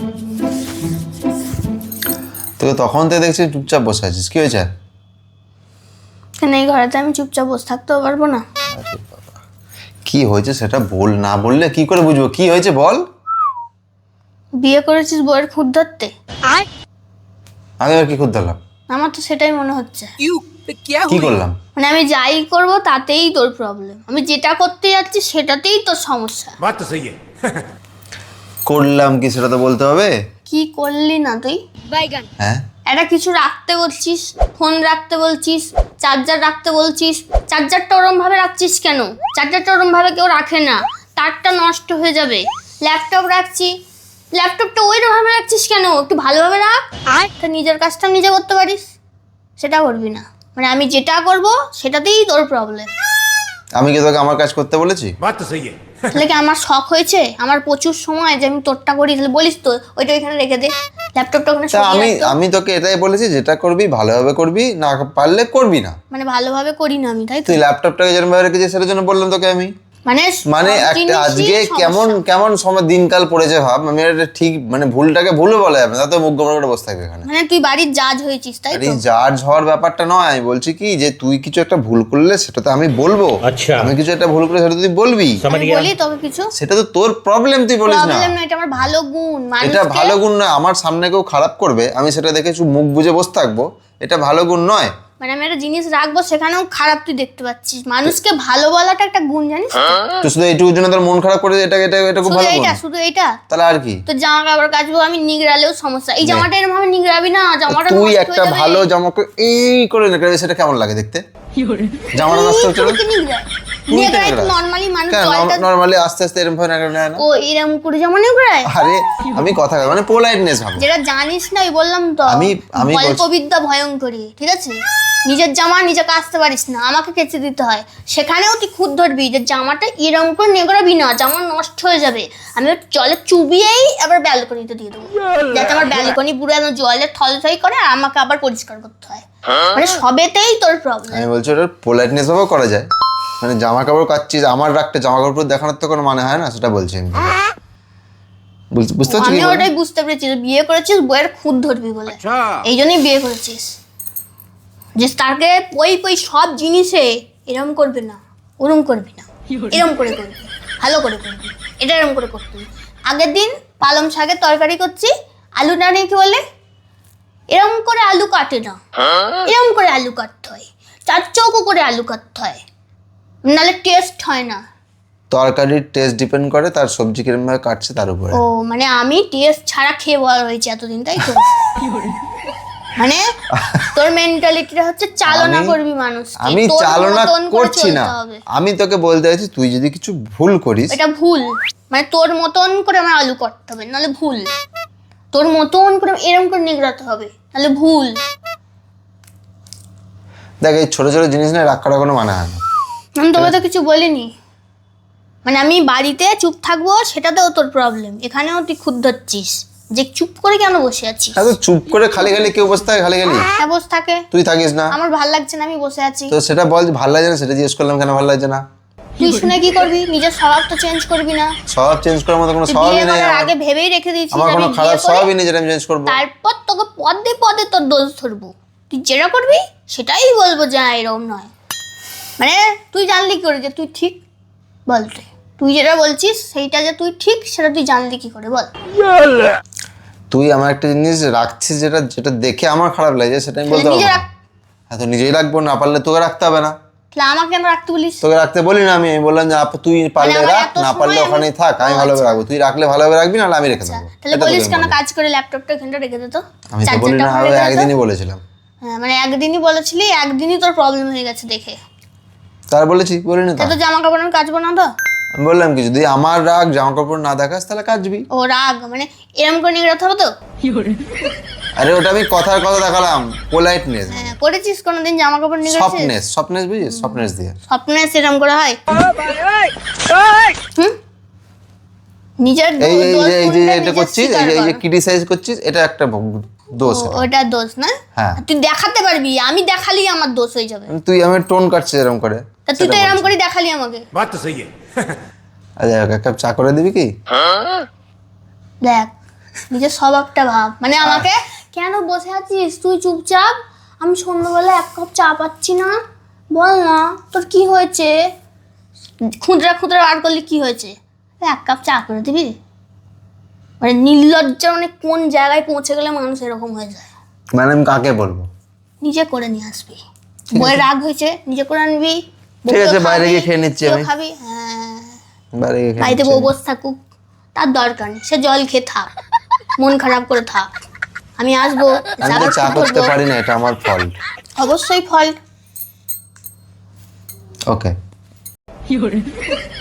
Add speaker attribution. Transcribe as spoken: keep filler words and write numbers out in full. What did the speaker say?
Speaker 1: তোকে তখন থেকে দেখছি চুপচাপ বসে আছিস, কি হয়েছে?
Speaker 2: কেন এই ঘরেতে আমি চুপচাপ বসে থাকতেও পারবো না?
Speaker 1: কি হয়েছে সেটা বল, না বললে কি করে বুঝবো কি হয়েছে বল।
Speaker 2: বিয়ে করেছিস বউয়ের খুদ ধরতে?
Speaker 1: আমি আর কি খুদ ধরলাম?
Speaker 2: আমার তো সেটাই মনে হচ্ছে।
Speaker 1: কি করলাম?
Speaker 2: মানে আমি যাই করব তাতেই তোর প্রবলেম, আমি যেটা করতে যাচ্ছি সেটাতেই তোর সমস্যা।
Speaker 3: बात तो सही है।
Speaker 1: করলাম কি সেটা তো বলতে হবে।
Speaker 2: কি করলি না তুই?
Speaker 1: হ্যাঁ
Speaker 2: একটা কিছু রাখতে বলছিস, ফোন রাখতে বলছিস, চার্জার রাখতে বলছিস, চার্জারটা ওরম ভাবে রাখছিস কেন? চার্জারটা ওরম ভাবে কেউ রাখে না, তারটা নষ্ট হয়ে যাবে। ল্যাপটপ রাখছি, ল্যাপটপটা ওইরকম ভাবে রাখছিস কেন? একটু ভালোভাবে রাখ, আর তা নিজের কাজটা নিজে করতে পারিস, সেটা করবি না। মানে আমি যেটা করব সেটাতেই তোর প্রবলেম।
Speaker 1: আমি কি তোকে আমার কাজ করতে বলেছি?
Speaker 3: बात तो सही है।
Speaker 2: তাহলে কি আমার শখ হয়েছে? আমার প্রচুর সময় যে আমি তোরটা করি, তাহলে বলিস তো ওইটা এখানে রেখে দে, ল্যাপটপটা ওখানে
Speaker 1: তা
Speaker 2: সরিয়ে
Speaker 1: আমি
Speaker 2: রাখ তো।
Speaker 1: আমি তোকে এটাই বলেছি, যেটা করবি ভালোভাবে করবি, না পারলে করবি না।
Speaker 2: মানে ভালোভাবে করি না আমি, তাই তো?
Speaker 1: তুই ল্যাপটপটাকে যেরকম ভাবে রেখেছিস সেটার জন্য বললাম তোকে আমি।
Speaker 2: মানে
Speaker 1: মানে
Speaker 2: সব
Speaker 1: একটা
Speaker 2: জিনিসই
Speaker 1: আজকে কেমন
Speaker 2: সমস্যা।
Speaker 1: কেমন সময় দিনকাল পড়েছে ভাব, আমি এটা ঠিক মানে ভুলটাকে ভুলও বলা যাবে না, তো মুখ গোমরা করে বসে থাকবে এখানে।
Speaker 2: মানে তুই বাড়ির জাজ হয়েছিস, তাই
Speaker 1: আরে
Speaker 2: তো?
Speaker 1: জাজ হওয়ার ব্যাপারটা নয়, আমি বলছি কি যে তুই কিছু একটা ভুল করলে সেটা তো আমি বলবো।
Speaker 3: আচ্ছা।
Speaker 1: আমি কিছু একটা ভুল করলে সেটা তুই বলবি,
Speaker 3: समझ
Speaker 2: আমি
Speaker 3: गया।
Speaker 2: বলি তোকে কিছু?
Speaker 1: সেটা তো তোর প্রবলেম, তুই বলিস না।
Speaker 2: প্রবলেম না, এটা আমার ভালো গুণ।
Speaker 1: এটা
Speaker 2: মানুষকে
Speaker 1: ভালো গুণ নয়, আমার সামনে কেউ খারাপ করবে আমি সেটা দেখে একটু মুখ বুজে বসে থাকবো, এটা ভালো গুণ নয়।
Speaker 2: মানে আমি একটা জিনিস রাখবো সেখানেও খারাপ তুই দেখতে পাচ্ছিস। মানুষকে ভালো বলাটা একটা গুণ, জানিস তো?
Speaker 1: তো শুধু এইটুকুর জন্য তোর মন খারাপ করে এটা এটা এটা খুব
Speaker 2: শুধু
Speaker 1: ভালো গুণ?
Speaker 2: এইটা, শুধু এইটা?
Speaker 1: তাহলে আর কি?
Speaker 2: তো জামা কাপড় কাচবো আমি, নিগড়ালেও সমস্যা। এই জামাটা এরকম ভাবে নিগড়াবি না, জামাটা
Speaker 1: তুই
Speaker 2: নষ্ট
Speaker 1: একটা
Speaker 2: হয়ে যাবে।
Speaker 1: ভালো জামা করে এই করে নেকড়ে, সেটা কেমন লাগে দেখতে? জামাটা নষ্ট হচ্ছে না?
Speaker 2: তুই কি নিগড়ায়?
Speaker 1: তুই
Speaker 2: নিগড়ায় তো
Speaker 1: নিগড়াস।
Speaker 2: নর্মালি মানুষ
Speaker 1: কেন
Speaker 2: জলটা
Speaker 1: নর্মালি আস্তে আস্তে এরকম ভাবে নেকড়ে নেয় না?
Speaker 2: ও এরকম করে জামা নিগড়ায়?
Speaker 1: আরে আমি কথা মানে পোলাইটনেস ভাবো।
Speaker 2: যেটা জানিস না, ওই বললাম তো,
Speaker 1: আমি- আমি বলছি-
Speaker 2: গল্পবিদ্যা ভয়ঙ্করী, ঠিক আছে? নিজের জামা নিজে কাচতে পারিস না, আমাকে কেচে দিতে হয়। সেখানেও তুই খুদ ধরবি যে জামাটা এরকম করে নেগড়াবি না, জামা নষ্ট হয়ে যাবে। আমি ওর জলে চুবিয়েই আবার ব্যালকনিতে দিয়ে দেবো, যাতে আমার ব্যালকনি পুরো একদম জলে থলথই করে আর আমাকে আবার পরিষ্কার করতে হয়। মানে সবেতেই তোর প্রবলেম।
Speaker 1: আমি বলছি ওটা পোলাইটনেস ভাবেও করা যায়, মানে জামা কাপড় কাচ্ছিস আমার রাখতে জামা কাপড় দেখানোর তো কোনো মানে হয় না, সেটা বলছি আমি। বুঝ- বুঝতে পারছিস
Speaker 2: আমি
Speaker 1: কি বলছি?
Speaker 2: ওটাই বুঝতে পেরেছি যে বিয়ে করেছিস বইয়ের খুদ ধরবি বলে, এই জন্যই বিয়ে করেছিস। যে তাকে পই পই সব জিনিসে এরম করবে না, ওরম করবি না, এরম করে করবি, ভালো করে করবি, এটা এরম করে করবি। আগের দিন পালং শাকের তরকারি করছি, আলুটা নিয়ে কি বলে, এরম করে আলু কাটে না, এরম করে আলু কাটতে হয়, চার চৌকো করে আলু কাটতে হয়, নাহলে টেস্ট হয় না।
Speaker 1: তরকারির টেস্ট ডিপেন্ড করে তার সবজি কিরকম ভাবে কাটছে তার উপরে।
Speaker 2: ও মানে আমি টেস্ট ছাড়া খেয়ে বড় হয়েছি এতদিন, তাই তো? মানে তোর মেন্টালিটিটা হচ্ছে চালনা
Speaker 1: আমি-
Speaker 2: করবি মানুষকে,
Speaker 1: আমি
Speaker 2: তোর
Speaker 1: চালনা
Speaker 2: মতন করে
Speaker 1: করছি না,
Speaker 2: চলতে হবে।
Speaker 1: আমি তোকে বলতে চাইছি তুই যদি কিছু ভুল করিস,
Speaker 2: এটা ভুল। মানে তোর মতন করে আমার আলু কাটতে হবে, নাহলে ভুল। তোর মতন করে এরকম করে নিগড়াতে হবে, নাহলে ভুল।
Speaker 1: দেখ এই ছোট ছোট জিনিস নিয়ে রাগ করার কোনো মানে হয় না।
Speaker 2: আমি তোকে তো কিছু বলিনি। মানে আমি বাড়িতে চুপ থাকবো সেটাতেও তোর প্রবলেম, এখানেও তুই খুদ ধরছিস যে চুপ করে কেন বসে আছিস।
Speaker 1: এত চুপ করে খালি খালি কেউ বসে থাকে খালি খালি?
Speaker 2: হ্যাঁ বসে থাকে,
Speaker 1: তুই থাকিস না?
Speaker 2: আমার ভাল লাগছে না, আমি বসে আছি।
Speaker 1: তো সেটা বল, ভালো লাগছে না সেটা জিজ্ঞেস করলাম, কেন ভালো লাগছে না?
Speaker 2: তুই শুনে কি করবি? নিজের স্বভাবটা চেঞ্জ করবি না?
Speaker 1: স্বভাব চেঞ্জ করার মতো কোনো
Speaker 2: তুই
Speaker 1: স্বভাবই
Speaker 2: বিয়ে
Speaker 1: নেই
Speaker 2: করার
Speaker 1: আমার।
Speaker 2: আগে ভেবেই রেখে দিয়েছিস
Speaker 1: আমার
Speaker 2: আমি
Speaker 1: কোনো
Speaker 2: বিয়ে
Speaker 1: খারাপ
Speaker 2: করে
Speaker 1: স্বভাবই নেই যেটা আমি চেঞ্জ করবো।
Speaker 2: তারপর তোকে পদে পদে তোর দোষ ধরবো। তুই যেটা করবি সেটাই বলবো যে হ্যাঁ এরকম নয়। মানে তুই জানলি কি করে যে তুই ঠিক? বল তুই তুই যেটা বলছিস সেইটা যে তুই ঠিক, সেটা তুই জানলি কি করে বল?
Speaker 1: তুই আমার একটা জিনিস রাখছিস যেটা যেটা দেখে আমার খারাপ লাগে সেটা আমি বলতে
Speaker 2: তাহলে
Speaker 1: পারবো
Speaker 2: নিজে
Speaker 1: না।
Speaker 2: রাখ।
Speaker 1: হ্যাঁ তো নিজেই রাখবো, না পারলে তোকে রাখতে হবে না।
Speaker 2: তাহলে আমাকে কেন রাখতে বলিস?
Speaker 1: তোকে রাখতে বলি না আমি, আমি বললাম যে আপু তুই পারলে
Speaker 2: আমার
Speaker 1: রাখ,
Speaker 2: এত
Speaker 1: না পারলে
Speaker 2: সময়
Speaker 1: ওখানেই
Speaker 2: আমি-
Speaker 1: থাক, আমি
Speaker 2: ও
Speaker 1: ভালোভাবে
Speaker 2: আচ্ছা।
Speaker 1: রাখবো। তুই রাখলে ভালোভাবে রাখবি, নাহলে আমি রেখে দেবো।
Speaker 2: তাহলে
Speaker 1: এটা তোকে
Speaker 2: বলিস
Speaker 1: আমি
Speaker 2: কেন
Speaker 1: বলি।
Speaker 2: কাজ করে ল্যাপটপটা এখানটা রেখে দে তো,
Speaker 1: আমি তো বলি
Speaker 2: চার্জারটা
Speaker 1: না,
Speaker 2: ওখানে
Speaker 1: আমি
Speaker 2: রেখে দে তো।
Speaker 1: একদিনই বলেছিলাম।
Speaker 2: হ্যাঁ মানে একদিনই বলেছিলি, একদিনই তোর প্রবলেম হয়ে গেছে দেখে।
Speaker 1: তার বলেছি বলিনি তো?
Speaker 2: তো জামা কাপড় আমি কাচবো না তো?
Speaker 1: আমি বললাম কি যদি আমার রাগ জামা কাপড় না দেখাস তাহলে কাচবি।
Speaker 2: ও রাগ মানে এরম করে নিগড়াতে হবে তো?
Speaker 1: আরে ওটা আমি কথার কথা দেখালাম, পোলাইটনেস,
Speaker 2: হ্যাঁ, করেছিস কোনোদিন জামা কাপড় নিগড়েছিস?
Speaker 1: সফটনেস, সফটনেস বুঝিস, সফটনেস দিয়ে।
Speaker 2: স্বপ্নে সেরকম করে হয়? হুম? নিজের
Speaker 1: এই এই
Speaker 2: দোষ
Speaker 1: যে এই যে
Speaker 2: গুণটা
Speaker 1: এটা
Speaker 2: নিজে
Speaker 1: করছিস, এই
Speaker 2: স্বীকার
Speaker 1: যে এই যে
Speaker 2: কর।
Speaker 1: ক্রিটিসাইজ করছিস, এটা একটা ভ- দোষ।
Speaker 2: ও,
Speaker 1: এটা।
Speaker 2: ওটা দোষ না?
Speaker 1: হ্যাঁ।
Speaker 2: তুই দেখাতে পারবি, আমি দেখালি আমার দোষ হয়ে যাবে।
Speaker 1: তুই আমার টোন কাটছিস এরকম করে।
Speaker 2: তা তুই তো
Speaker 1: সেটা
Speaker 2: এরকম
Speaker 1: বলছি।
Speaker 2: করে দেখালি আমাকে।
Speaker 3: बात तो सही है।
Speaker 1: আচ্ছা এক কাপ চা করে দিবি কি?
Speaker 2: দেখ নিজের স্বভাবটা ভাব, মানে আমাকে কেন বসে আছিস তুই চুপচাপ, আমি সন্ধ্যাবেলা এক কাপ চা পাচ্ছি না, বল না তোর কি হয়েছে, খুঁদরা খুঁদরা বার করলে কি হয়েছে, এক কাপ চা করে দিবি? মানে নির্লজ্জা, মানে কোন জায়গায় পৌঁছে গেলে মানুষ এরকম হয়ে যায়।
Speaker 1: মানে আমি কাকে বলবো?
Speaker 2: নিজে করে নিয়ে আসবি, বইয়ের রাগ হয়েছে নিজে করে আনবি,
Speaker 1: ঠিক আছে, বাইরে গিয়ে খেয়ে নিচ্ছি আমি।
Speaker 2: খাবি, হ্যাঁ
Speaker 1: বাইরে গিয়ে খেয়ে
Speaker 2: বাড়িতে
Speaker 1: নিচ্ছি
Speaker 2: বউ
Speaker 1: আমি।
Speaker 2: বসে থাকুক, তার দরকার নেই, সে জল খেয়ে থাক, মন খারাপ করে থাক, আমি আসবো,
Speaker 1: আমি তো চা করতে পারি না, এটা আমার ফল্ট।
Speaker 2: অবশ্যই ফল্ট।
Speaker 1: ওকে।